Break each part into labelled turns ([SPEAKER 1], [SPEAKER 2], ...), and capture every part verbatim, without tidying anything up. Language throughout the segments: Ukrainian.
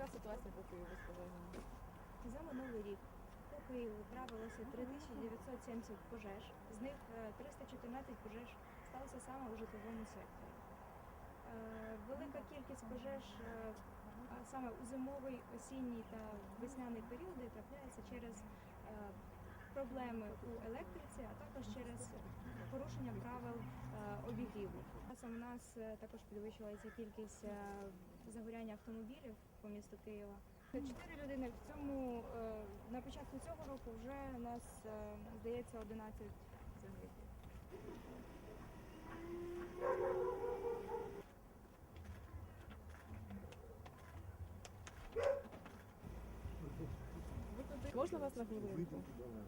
[SPEAKER 1] ситуація по Києву з пожежами?
[SPEAKER 2] За минулий рік по Києву трапилося три тисячі дев'ятсот сімдесят пожеж, з них е, триста чотирнадцять пожеж сталося саме у житловому секторі. Е, Велика кількість пожеж е, а саме у зимовий, осінній та весняний періоди трапляється через е, проблеми у електриці, а також через порушення правил е, обігріву. Часом у нас е, також підвищувалася кількість е, загоряння автомобілів по місту Києва. Чотири людини в цьому, е, на початку цього року вже у нас, е, здається, одинадцять загиблих.
[SPEAKER 1] Можна вас на хвилинку?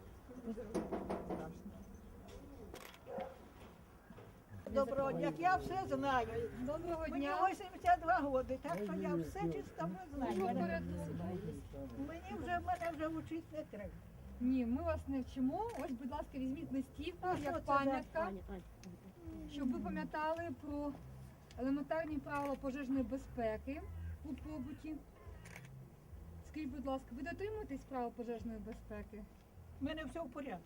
[SPEAKER 3] Доброго дня, я все знаю.
[SPEAKER 2] Доброго
[SPEAKER 3] Мені
[SPEAKER 2] дня!
[SPEAKER 3] вісімдесят два роки, так що я все чисто знаю. Мене, мені вже, мене вже вчити не треба.
[SPEAKER 4] Ні, ми вас не вчимо. Ось, будь ласка, візьміть листівку
[SPEAKER 3] А що це
[SPEAKER 4] як
[SPEAKER 3] за
[SPEAKER 4] пам'ятка, щоб ви пам'ятали про елементарні правила пожежної безпеки у побуті. Скажіть, будь ласка, ви дотримуєтесь правил пожежної безпеки?
[SPEAKER 3] У мене все в порядку.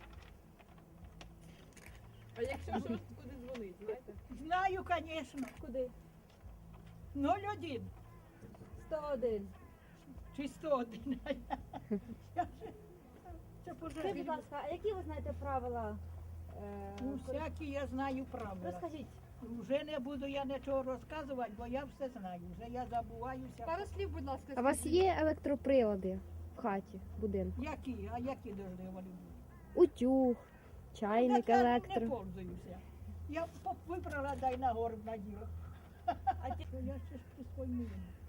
[SPEAKER 1] А якщо щось, куди дзвонить, знаєте?
[SPEAKER 3] Знаю, звісно.
[SPEAKER 2] Куди?
[SPEAKER 3] нуль один
[SPEAKER 2] сто один.
[SPEAKER 3] чи сто один. Я вже- Це
[SPEAKER 5] Скажіть, будь
[SPEAKER 3] пожежні.
[SPEAKER 5] ласка, а які ви знаєте правила? е,
[SPEAKER 3] Ну, всякі я знаю правила.
[SPEAKER 5] Розкажіть.
[SPEAKER 3] Вже не буду я нічого розказувати, бо я все знаю. Вже я забуваюся.
[SPEAKER 4] Пару слів, будь ласка,
[SPEAKER 6] А у вас
[SPEAKER 4] скажіть.
[SPEAKER 6] є електроприлади в хаті, в будинку?
[SPEAKER 3] Які? А які должны вони бути?
[SPEAKER 6] Утюг, чайник,
[SPEAKER 3] Так я не
[SPEAKER 6] електро.
[SPEAKER 3] пользуюся. Я поп- вибрала, дай на горб наділа. А ті- я ще ж присвоєння.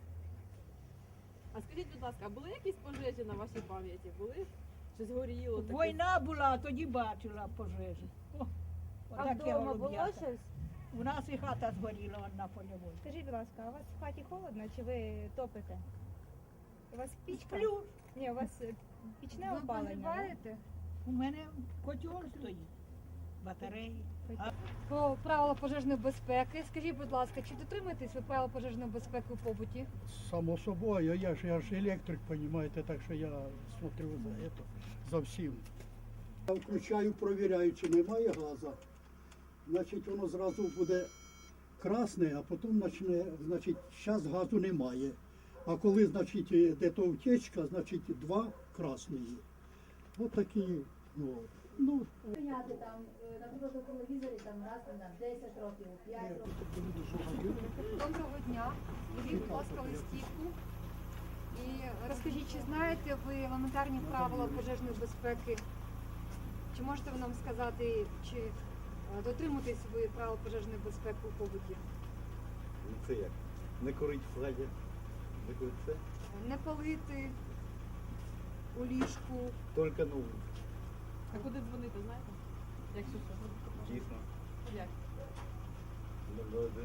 [SPEAKER 1] А скажіть, будь ласка, а були якісь пожежі на вашій пам'яті? Були? Щось горіло? таке?
[SPEAKER 3] Війна була, тоді бачила пожежі. О,
[SPEAKER 5] А
[SPEAKER 3] отаке
[SPEAKER 5] вдома було
[SPEAKER 3] голуб'ята.
[SPEAKER 5] щось?
[SPEAKER 3] У нас і хата згоріла на польовій.
[SPEAKER 2] Скажіть, будь ласка, а у вас в хаті холодно чи ви топите? У вас пічка?
[SPEAKER 3] Сплю.
[SPEAKER 2] Ні, у вас е, пічне
[SPEAKER 4] Ви
[SPEAKER 2] опалення. да?
[SPEAKER 4] прогріваєте?
[SPEAKER 3] У мене котел стоїть, батареї. А
[SPEAKER 4] Про правила пожежної безпеки. Скажіть, будь ласка, чи дотримуєтесь ви правил пожежної безпеки у побуті?
[SPEAKER 7] Само собою, я ж, я ж електрик, понимаете, так що я смотрю за это, за всім. Я включаю, провіряю, чи немає газу. Значить, воно зразу буде красне, а потім почне, значить, зараз газу немає. А коли, значить, де то втечка, значить, два красні. Ось такі, ну, ну,
[SPEAKER 5] Прийняти там, е, наприклад, на телевізорі там раз на десять років, п'ять років.
[SPEAKER 4] Доброго дня. Візьміть, будь ласка, листівку. І розкажіть, чи знаєте ви елементарні правила пожежної безпеки? Чи можете ви нам сказати, чи е, дотримуєтесь ви правил пожежної безпеки у побуті?
[SPEAKER 8] Ну, це як? Не курить в хаті. Не курить це?
[SPEAKER 4] Не палити у ліжку.
[SPEAKER 8] Тільки ну,
[SPEAKER 1] А куди дзвонити, знаєте? Якщо що?
[SPEAKER 8] дійсно.
[SPEAKER 1] Як?
[SPEAKER 8] Добре один.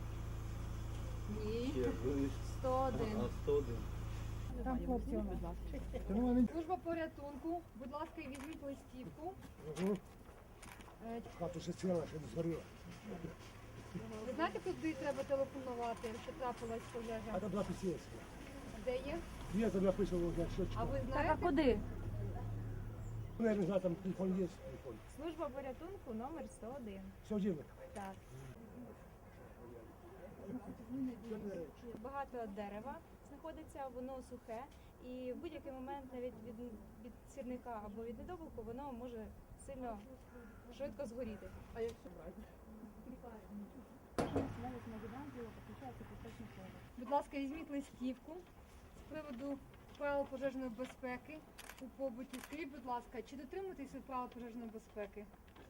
[SPEAKER 4] Ні.
[SPEAKER 8] Ще дзвониш.
[SPEAKER 4] сто один.
[SPEAKER 8] А сто один.
[SPEAKER 4] Там хлопці, будь ласка. Служба порятунку. Будь ласка, візьміть листівку. Е,
[SPEAKER 7] хату ще ціла, ще не згоріла.
[SPEAKER 4] Ви знаєте, куди треба телефонувати, якщо трапилась пожежа?
[SPEAKER 7] там записівся.
[SPEAKER 4] Де є?
[SPEAKER 7] Я там написав, що
[SPEAKER 4] А ви
[SPEAKER 5] Так, а
[SPEAKER 4] знаєте?
[SPEAKER 5] куди?
[SPEAKER 7] я не знаю, там телефон є, телефон.
[SPEAKER 2] Служба порятунку номер сто один.
[SPEAKER 7] Все діло.
[SPEAKER 2] Так. Багато дерева знаходиться, воно сухе, і в будь-який момент навіть від, від сірника або від недобуку воно може сильно швидко згоріти.
[SPEAKER 1] А якщо брати?
[SPEAKER 4] Будь ласка, візьміть листівку з приводу правил пожежної безпеки у побуті. Скажіть, будь ласка, чи дотримуєтесь ви правил пожежної безпеки?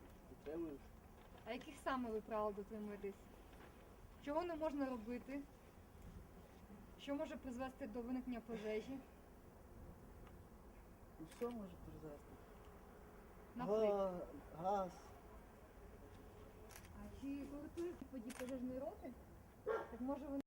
[SPEAKER 4] А яких саме ви правил дотримуєтесь? Чого не можна робити? Що може призвести до виникнення пожежі?
[SPEAKER 9] Що може призвести?
[SPEAKER 4] Наприклад.
[SPEAKER 9] Газ.
[SPEAKER 4] А чи користуєтесь подій пожежної роти? Так може ви